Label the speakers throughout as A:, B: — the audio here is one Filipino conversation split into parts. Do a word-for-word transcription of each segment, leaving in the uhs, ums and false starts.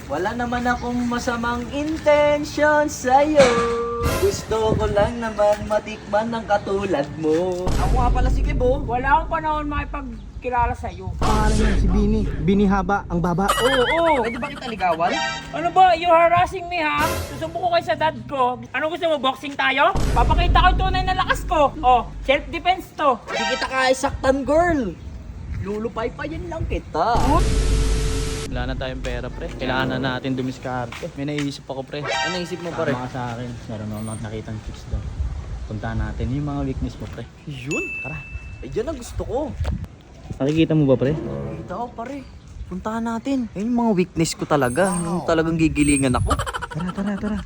A: Wala naman akong masamang intention sa'yo. Gusto ko lang naman matikman ng katulad mo. Ako nga pala si Kibo.
B: Wala akong panahon makipagkilala sa'yo.
C: Pangalan niya si Bini. Bini haba, ang baba.
B: Oo, oo.
A: Pwede ba kita ligawan?
B: Ano ba? You harassing me, ha? Susumbo ko kayo sa dad ko. Ano gusto mo? Boxing tayo? Papakita ko yung tunay na lakas ko. Oh, self-defense to.
A: Hindi kita kaisaktan, girl. Lulupay pa yan lang kita.
C: Wala na tayong pera, pre. Kailangan na natin dumiskarte. May naisip ako, pre.
A: Ano isip mo pa rin?
C: Tama ka sa akin. Meron ako nakitang tips doon. Puntahan natin yung mga weakness mo, pre.
A: Yun? Tara. Eh, yan ang gusto ko.
C: Nakikita mo ba, pre?
A: Kita ko, pare. Puntahan natin. Yan yung mga weakness ko talaga. Yung talagang gigilingan ako.
C: Tara, tara, tara.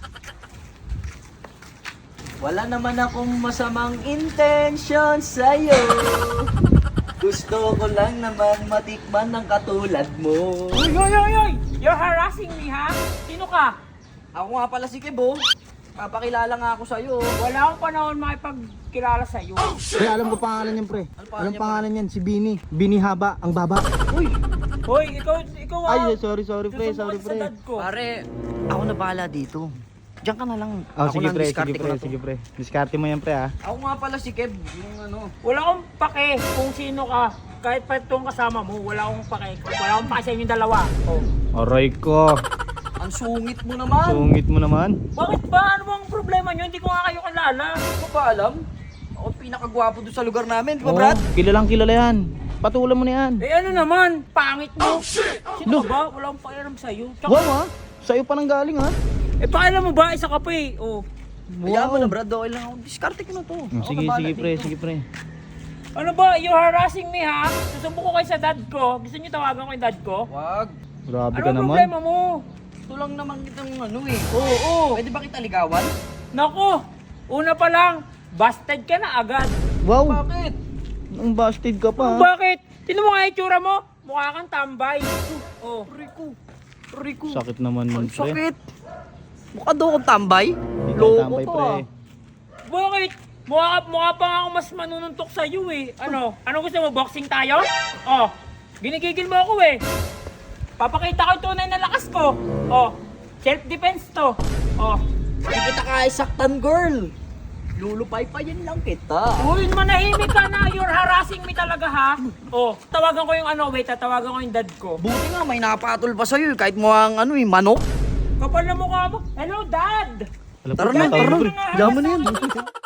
A: Wala naman akong masamang intention sa'yo. Gusto ko lang naman matikman ng katulad mo.
B: Uy, uy, uy, uy! You're harassing me, ha? Sino ka?
A: Ako nga pala si Kibo. Papakilala nga ako sa'yo.
B: Wala akong panahon makipagkilala sa'yo.
C: Pre, alam ko pangalan niyan, pre.
A: Ano pangalan
C: Alam
A: niya,
C: pangalan niyan, si Bini. Bini haba, ang baba.
A: Uy!
B: Hoy, ikaw, ikaw, ha?
C: Ay, sorry, sorry, pre.
B: Susumbo
C: Sorry,
B: ka sa
C: pre.
B: dad ko.
A: Pare, ako na bahala dito. Diyan ka na lang.
C: Oh,
A: Ako
C: sige,
A: na ang
C: pre.
A: diskarte
C: Sige,
A: ko
C: pre.
A: na to.
C: Sige, pre. Diskarte mo yan, pre, ha?
A: Ako nga pala si Kev. Yung ano.
B: Wala akong pake kung sino ka. Kahit pa itong kasama mo, wala akong pake. Wala akong pake sa inyong dalawa. Oh.
C: Aray ko.
A: Ang sungit mo naman.
C: Sungit mo naman.
B: Bakit ba? Ano bang problema nyo? Hindi ko nga kayo kilala.
A: Hindi ko ba alam? Ako pinakagwapo doon sa lugar namin. Di ba,
C: Oh,
A: Brad?
C: kilalang kilala yan. Patulan mo na yan.
B: Eh ano naman? Pangit mo. Sino ka ba? Wala akong pakialam sa'yo. Tsaka,
C: Wow, ha? Sa'yo pa nang galing, ha?
B: eh pakialam mo ba? Isa ka pa eh. Oh.
A: Kaya mo na, Brad. Okay lang ako. Diskarte ko na to.
C: Hmm,
A: Ako
C: Sige,
A: na bahala
C: sige, pre.
A: dito.
C: Sige, pre.
B: Ano ba? You're harassing me, ha? Susumbo ko kayo sa dad ko. Gusto niyo tawagan ko yung dad ko?
A: Wag.
C: Grabe
B: Ano
C: ka
B: ang
C: naman.
B: problema mo?
A: Ito lang naman kitang ano eh.
B: Oo, oo.
A: Pwede ba kita ligawan?
B: Naku, una pa lang, busted ka na agad.
C: Wow,
A: Bakit?
C: ang busted ka pa, ha?
B: Bakit? Tino mo nga yung itsura mo? Mukha kang tambay. Oh.
A: Rico. Rico.
C: Sakit naman
A: Ang
C: nun, pre.
A: sakit. Mukha daw akong tambay.
C: Hindi ka
A: Loko
C: tambay,
A: to
C: pre.
A: ah.
B: Bakit? Mukha, mukha pa nga ako mas manununtok sa iyo eh. Ano? Ano gusto mo? Boxing tayo? Oh, ginigigil mo ako eh. Papakita ko yung tunay na lakas ko. Oh, self-defense to. Oh.
A: Hindi kita kaisaktan, girl. Lulupay pa yan lang kita.
B: Uy, manahimik ka na. You're harassing me talaga ha. Oh, tawagan ko yung ano, wait, tatawagan ko yung dad ko.
A: Buti nga may napatol pa sa'yo eh, kahit mo ang ano eh, manok.
B: Kapal na mukha mo. Hello, dad!
C: Alam ko,
A: Tara na,
C: tumatawag,
A: tara
C: pre.
A: na. Yaman na yan.